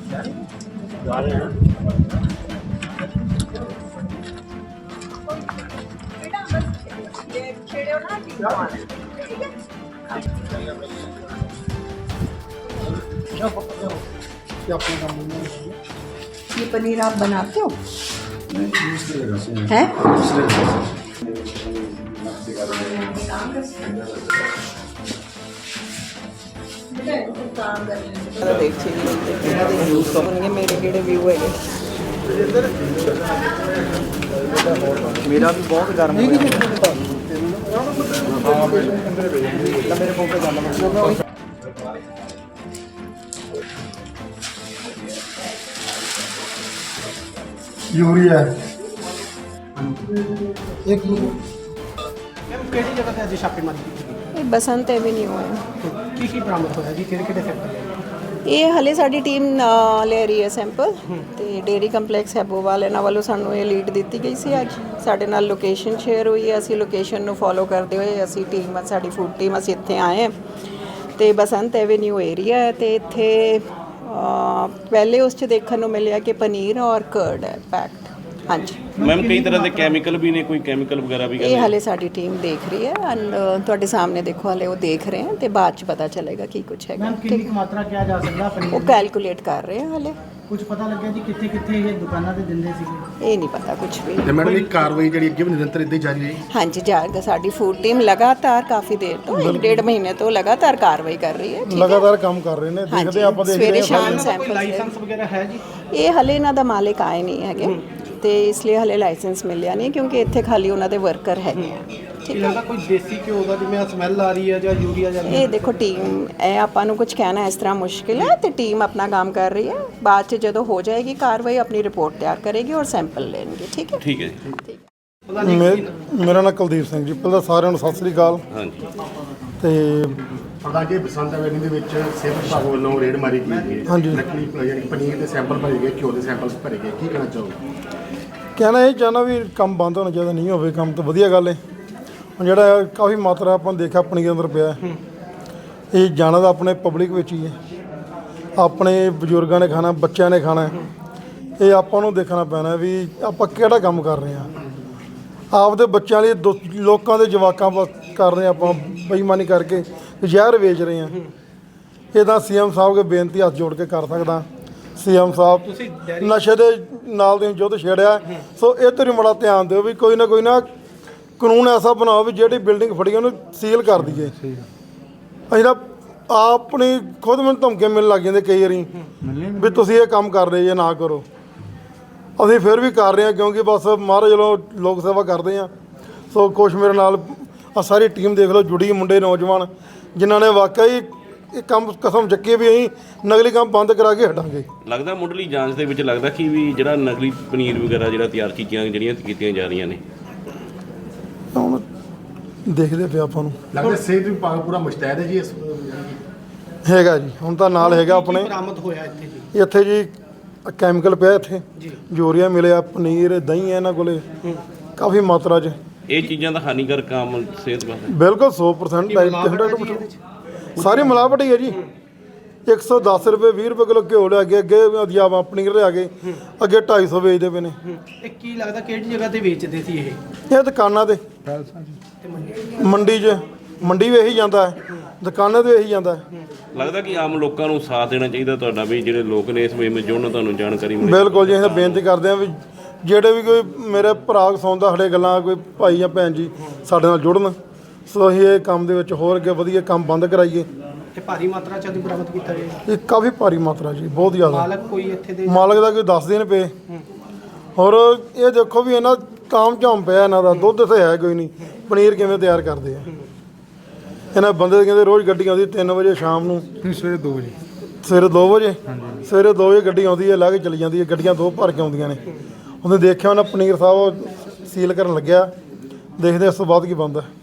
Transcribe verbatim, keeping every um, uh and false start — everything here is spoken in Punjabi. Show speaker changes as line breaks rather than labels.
ये पनीर आप बनाते हो हैं? मेरे किहड़े व्यू है
मेरा भी बहुत गर्म हो गया मेरे फोन पे जाना
यूरिया एक
ਕਿਹੜੀ ਜਗ੍ਹਾ ਤੇ ਅੱਜ ਛਾਪੇਮਾਰੀ ਕੀਤੀ
बसंत एवेन्यू है।
ਕੀ ਕੀ ਬਰਾਮਦ ਹੋਇਆ ਜੀ ਕਿਹੜੇ ਕਿਹੜੇ ਸੈਕਟਰ
ਇਹ ਹਲੇ ਸਾਡੀ ਟੀਮ ਲੈ ਰਹੀ ਹੈ ਸੈਂਪਲ ਤੇ ਡੇਰੀ ਕੰਪਲੈਕਸ ਹੈਬੋਵਾਲ ਇਹਨਾਂ ਵੱਲੋਂ ਸਾਨੂੰ ਇਹ ਲੀਡ ਦਿੱਤੀ ਗਈ ਸੀ। ਅੱਜ ਸਾਡੇ ਨਾਲ ਲੋਕੇਸ਼ਨ ਸ਼ੇਅਰ ਹੋਈ ਹੈ, ਅਸੀਂ ਲੋਕੇਸ਼ਨ ਨੂੰ ਫੋਲੋ ਕਰਦੇ ਹੋਏ ਅਸੀਂ ਟੀਮ ਸਾਡੀ ਫੂਡ ਟੀਮ ਅਸੀਂ ਇੱਥੇ ਆਏ ਹਾਂ ਤੇ ਬਸੰਤ ਐਵੇਨਿਊ ਏਰੀਆ ਹੈ ਤੇ ਇੱਥੇ ਪਹਿਲੇ ਉਸ 'ਚ ਦੇਖਣ ਨੂੰ ਮਿਲਿਆ ਕਿ ਪਨੀਰ ਔਰ ਕਰਡ ਹੈ ਪੈਕਡ। ਹਾਂਜੀ
ਮੈਮ ਕਈ ਤਰ੍ਹਾਂ ਦੇ ਕੈਮੀਕਲ ਵੀ ਨੇ, ਕੋਈ ਕੈਮੀਕਲ ਵਗੈਰਾ ਵੀ
ਇਹ ਹਲੇ ਸਾਡੀ ਟੀਮ ਦੇਖ ਰਹੀ ਹੈ ਐਂਡ ਤੁਹਾਡੇ ਸਾਹਮਣੇ ਦੇਖੋ ਹਲੇ ਉਹ ਦੇਖ ਰਹੇ ਹਨ ਤੇ ਬਾਅਦ 'ਚ ਪਤਾ ਚੱਲੇਗਾ ਕੀ ਕੁਝ ਹੈਗਾ।
ਮੈਮ ਕਿੰਨੀ ਕੁ ਮਾਤਰਾ ਕਿਹਾ ਜਾ ਸਕਦਾ ਪਨੀਰ
ਉਹ ਕੈਲਕੂਲੇਟ ਕਰ ਰਹੇ ਹਨ ਹਲੇ।
ਕੁਝ ਪਤਾ ਲੱਗਿਆ ਜੀ ਕਿੱਥੇ ਕਿੱਥੇ ਇਹ ਦੁਕਾਨਾਂ ਤੇ ਦਿੰਦੇ ਸੀਗੇ?
ਇਹ ਨਹੀਂ ਪਤਾ ਕੁਝ ਵੀ।
ਤੇ ਮੈਡਮ ਇਹ ਕਾਰਵਾਈ ਜਿਹੜੀ ਅੱਗੇ ਵੀ ਨਿਰੰਤਰ ਇੱਦਾਂ ਹੀ ਜਾਰੀ ਰਹੀ?
ਹਾਂਜੀ ਜਾਏਗਾ। ਸਾਡੀ ਫੂਡ ਟੀਮ ਲਗਾਤਾਰ ਕਾਫੀ ਦੇਰ ਤੋਂ ਇੱਕ ਡੇਢ ਮਹੀਨੇ ਤੋਂ ਲਗਾਤਾਰ ਕਾਰਵਾਈ ਕਰ ਰਹੀ ਹੈ।
ਲਗਾਤਾਰ ਕੰਮ ਕਰ ਰਹੇ ਨੇ, ਦੇਖਦੇ ਆਪਾਂ ਦੇਖਦੇ
ਸਵੇਰੇ ਸ਼ਾਮ
ਕੋਈ
ਸੈਂਪਲ
ਲਾਇਸੈਂਸ ਵਗੈਰਾ ਹੈ ਜੀ?
ਇਹ ਹਲੇ ਇਹਨਾਂ ਦਾ ਮਾਲਿਕ ਆਏ ਨਹੀਂ ਹੈਗੇ ਤੇ ਇਸ ਲਈ ਹਲੇ ਲਾਇਸੈਂਸ ਮਿਲਿਆ ਨਹੀਂ ਕਿਉਂਕਿ ਇੱਥੇ ਖਾਲੀ ਉਹਨਾਂ ਦੇ ਵਰਕਰ ਹੈਗੇ ਆ।
ਠੀਕ ਲੱਗਦਾ ਕੋਈ ਦੇਸੀ ਘਿਓ ਦਾ ਜਿਵੇਂ ਸਮੈਲ ਆ ਰਹੀ ਹੈ ਜਾਂ ਯੂਰੀਆ ਜਾਂ
ਇਹ ਦੇਖੋ ਟੀਮ ਇਹ ਆਪਾਂ ਨੂੰ ਕੁਝ ਕਹਿਣਾ ਇਸ ਤਰ੍ਹਾਂ ਮੁਸ਼ਕਿਲ ਹੈ ਤੇ ਟੀਮ ਆਪਣਾ ਕੰਮ ਕਰ ਰਹੀ ਹੈ। ਬਾਅਦ 'ਚ ਜਦੋਂ ਹੋ ਜਾਏਗੀ ਕਾਰਵਾਈ ਆਪਣੀ ਰਿਪੋਰਟ ਤਿਆਰ ਕਰੇਗੀ ਔਰ ਸੈਂਪਲ ਲੈਣਗੇ। ਠੀਕ ਹੈ
ਠੀਕ ਹੈ ਜੀ।
ਮੇਰਾ ਨਾਮ ਕੁਲਦੀਪ ਸਿੰਘ ਜੀ। ਪਹਿਲਾਂ ਸਾਰਿਆਂ ਨੂੰ ਸਤਿ ਸ੍ਰੀ ਅਕਾਲ।
ਹਾਂਜੀ
ਤੇ
ਪ੍ਰਧਾਨ ਜੀ ਬਸੰਤ ਐਵੇਨਿਊ ਦੇ ਵਿੱਚ ਸਿਹਤ ਵਿਭਾਗ ਵੱਲੋਂ ਰੇਡ ਮਾਰੀ ਗਈ ਹੈ।
ਹਾਂਜੀ।
ਨਕਲੀ ਯਾਨੀ ਪਨੀਰ ਦੇ ਸੈਂਪਲ ਭਰੇ ਗਏ, ਘਿਓ ਦੇ ਸੈਂਪਲ ਭਰੇ ਗਏ, ਕੀ ਕਹਿਣਾ ਚਾਹੋਗੇ?
ਕਹਿਣਾ ਇਹ ਚਾਹੁੰਦਾ ਵੀ ਕੰਮ ਬੰਦ ਹੋਣਾ ਚਾਹੀਦਾ, ਨਹੀਂ ਹੋਵੇ ਕੰਮ ਤਾਂ ਵਧੀਆ ਗੱਲ ਹੈ। ਹੁਣ ਜਿਹੜਾ ਕਾਫੀ ਮਾਤਰਾ ਆਪਾਂ ਨੇ ਦੇਖਿਆ ਪਨੀਰ ਅੰਦਰ ਪਿਆ, ਇਹ ਜਾਣਾ ਤਾਂ ਆਪਣੇ ਪਬਲਿਕ ਵਿੱਚ ਹੀ ਹੈ, ਆਪਣੇ ਬਜ਼ੁਰਗਾਂ ਨੇ ਖਾਣਾ, ਬੱਚਿਆਂ ਨੇ ਖਾਣਾ। ਇਹ ਆਪਾਂ ਨੂੰ ਦੇਖਣਾ ਪੈਣਾ ਵੀ ਆਪਾਂ ਕਿਹੜਾ ਕੰਮ ਕਰ ਰਹੇ ਹਾਂ। ਆਪਦੇ ਬੱਚਿਆਂ ਲਈ ਦੋ ਲੋਕਾਂ ਦੇ ਜਵਾਕਾਂ ਕਰ ਰਹੇ ਆਪਾਂ ਬੇਈਮਾਨੀ ਕਰਕੇ ਜ਼ਹਿਰ ਵੇਚ ਰਹੇ ਹਾਂ। ਇਹ ਤਾਂ ਸੀ ਐਮ ਸਾਹਿਬ ਕੇ ਬੇਨਤੀ ਹੱਥ ਜੋੜ ਕੇ ਕਰ ਸਕਦਾ। ਸੀ ਐਮ ਸਾਹਿਬ ਨਸ਼ੇ ਦੇ ਨਾਲ ਦੇ ਯੁੱਧ ਛੇੜਿਆ, ਸੋ ਇਹ ਤੇ ਬੜਾ ਧਿਆਨ ਦਿਓ ਵੀ ਕੋਈ ਨਾ ਕੋਈ ਨਾ ਕਾਨੂੰਨ ਐਸਾ ਬਣਾਓ ਵੀ ਜਿਹੜੀ ਬਿਲਡਿੰਗ ਫੜੀ ਉਹਨੂੰ ਸੀਲ ਕਰ ਦਈਏ। ਅਸੀਂ ਤਾਂ ਆਪਣੀ ਖੁਦ ਮੈਨੂੰ ਧਮਕੀਆਂ ਮਿਲਣ ਲੱਗ ਜਾਂਦੇ ਕਈ ਵਾਰੀ ਵੀ ਤੁਸੀਂ ਇਹ ਕੰਮ ਕਰ ਰਹੇ ਜੇ ਨਾ ਕਰੋ। ਅਸੀਂ ਫਿਰ ਵੀ ਕਰ ਰਹੇ ਹਾਂ ਕਿਉਂਕਿ ਬਸ ਮਹਾਰਾਜ ਵੱਲੋਂ ਲੋਕ ਸੇਵਾ ਕਰਦੇ ਹਾਂ। ਸੋ ਕੁਛ ਮੇਰੇ ਨਾਲ ਆ ਸਾਰੀ ਟੀਮ ਦੇਖ ਲਓ ਜੁੜੀ ਮੁੰਡੇ ਨੌਜਵਾਨ ਜਿਨ੍ਹਾਂ ਨੇ ਵਾਕਈ ਇਹ ਕੰਮ ਕਸਮ ਚੱਕੀ ਵੀ ਅਸੀਂ ਨਕਲੀ ਕੰਮ ਬੰਦ ਕਰਾ ਕੇ ਹਟਾਂਗੇ।
ਲੱਗਦਾ ਮੁੱਢਲੀ ਜਾਂਚ ਦੇ ਵਿੱਚ ਲੱਗਦਾ ਕਿ ਵੀ ਜਿਹੜਾ ਨਕਲੀ ਪਨੀਰ ਵਗੈਰਾ ਜਿਹੜਾ ਤਿਆਰ ਕੀਤੀਆਂ ਜਿਹੜੀਆਂ ਕੀਤੀਆਂ ਜਾ ਰਹੀਆਂ ਨੇ,
ਹੁਣ ਦੇਖਦੇ ਪਿਆ ਆਪਾਂ ਨੂੰ
ਲੱਗਦਾ ਸਿਹਤ ਵਿਭਾਗ ਪੂਰਾ ਮੁਸ਼ਤੈਦ ਹੈ ਜੀ ਇਸ
ਹੈਗਾ ਜੀ। ਹੁਣ ਤਾਂ ਨਾਲ ਹੈਗਾ ਆਪਣੇ
ਬਰਾਮਦ ਹੋਇਆ ਇੱਥੇ ਜੀ?
ਇੱਥੇ ਜੀ ਕੈਮੀਕਲ ਪਿਆ, ਇੱਥੇ ਯੂਰੀਆ ਮਿਲਿਆ, ਪਨੀਰ ਦਹੀਂ ਹੈ ਇਹਨਾਂ ਕੋਲੇ ਕਾਫੀ ਮਾਤਰਾ 'ਚ।
ਇਹ ਚੀਜ਼ਾਂ ਦਾ ਹਾਨੀਕਾਰਕ ਕੰਮ ਸਿਹਤ ਵਾਸਤੇ
ਬਿਲਕੁਲ ਸੌ ਪਰਸੈਂਟ ਸਾਰੀ ਮਿਲਾਵਟ ਹੀ ਹੈ ਜੀ। ਇੱਕ ਸੌ ਦਸ ਰੁਪਏ ਵੀਹ ਰੁਪਏ ਕਿਲੋ ਘਿਓ ਲਿਆ ਕੇ ਅੱਗੇ ਅਧਿਆਵਾ ਪਨੀਰ ਲਿਆ ਕੇ ਅੱਗੇ ਢਾਈ ਸੌ ਵੇਚਦੇ ਪਏ ਨੇ।
ਇਹ ਕੀ ਲੱਗਦਾ ਕਿਹੜੀ ਜਗ੍ਹਾ ਤੇ ਵੇਚਦੇ ਸੀ ਇਹ?
ਇਹ ਦੁਕਾਨਾਂ ਤੇ ਮੰਡੀ 'ਚ ਮੰਡੀ ਵੀ ਇਹੀ ਜਾਂਦਾ ਹੈ, ਦੁਕਾਨਾਂ ਤੇ ਇਹੀ ਜਾਂਦਾ ਹੈ।
ਲੱਗਦਾ ਕਿ ਆਮ ਲੋਕਾਂ ਨੂੰ ਸਾਥ ਦੇਣਾ ਚਾਹੀਦਾ ਤੁਹਾਡਾ ਵੀ ਜਿਹੜੇ ਲੋਕ ਨੇ ਇਸ ਵੇਲੇ ਵਿੱਚ ਜੁੜਨ, ਤੁਹਾਨੂੰ ਜਾਣਕਾਰੀ ਮਿਲੇ।
ਬਿਲਕੁਲ ਜੀ। ਅਸੀਂ ਬੇਨਤੀ ਕਰਦੇ ਹਾਂ ਵੀ ਜਿਹੜੇ ਵੀ ਕੋਈ ਮੇਰੇ ਭਰਾ ਸੁਣਦਾ ਸਾਡੇ ਗੱਲਾਂ, ਕੋਈ ਭਾਈ ਜਾਂ ਭੈਣ ਜੀ ਸਾਡੇ ਨਾਲ ਜੁੜਨ। ਸੋ ਅਸੀਂ ਇਹ ਕੰਮ ਦੇ ਵਿੱਚ ਹੋਰ ਅੱਗੇ ਵਧੀਆ ਕੰਮ ਬੰਦ ਕਰਾਈਏ।
ਇਹ ਭਾਰੀ ਮਾਤਰਾ 'ਚ ਅੱਜ ਬਰਾਮਦ ਕੀਤਾ ਗਿਆ?
ਇਹ ਕਾਫੀ ਭਾਰੀ ਮਾਤਰਾ ਜੀ, ਬਹੁਤ ਜ਼ਿਆਦਾ।
ਮਾਲਕ ਕੋਈ ਇੱਥੇ ਦੇ
ਮਾਲਕ ਦਾ ਕੋਈ ਦੱਸ ਦੇਣ ਪਏ। ਹੋਰ ਇਹ ਦੇਖੋ ਵੀ ਇਹਨਾਂ ਕਾਮ ਝਾਮ ਪਿਆ ਇਹਨਾਂ ਦਾ, ਦੁੱਧ ਤੇ ਹੈ ਕੋਈ ਨਹੀਂ, ਪਨੀਰ ਕਿਵੇਂ ਤਿਆਰ ਕਰਦੇ ਆ ਇਹਨਾਂ ਬੰਦੇ। ਕਹਿੰਦੇ ਰੋਜ਼ ਗੱਡੀ ਆਉਂਦੀ ਤਿੰਨ ਵਜੇ ਸ਼ਾਮ ਨੂੰ,
ਸਵੇਰੇ ਦੋ ਵਜੇ
ਸਵੇਰੇ ਦੋ ਵਜੇ ਸਵੇਰੇ ਦੋ ਵਜੇ ਗੱਡੀ ਆਉਂਦੀ ਹੈ, ਲਾ ਕੇ ਚਲੀ ਜਾਂਦੀ ਹੈ। ਗੱਡੀਆਂ ਦੋ ਭਰ ਕੇ ਆਉਂਦੀਆਂ ਨੇ। ਉਹਨੇ ਦੇਖਿਆ ਉਹਨਾਂ ਪਨੀਰ ਸਾਹਿਬ ਸੀਲ ਕਰਨ ਲੱਗਿਆ, ਦੇਖਦੇ ਇਸ ਤੋਂ ਬਾਅਦ ਕੀ ਬਣਦਾ।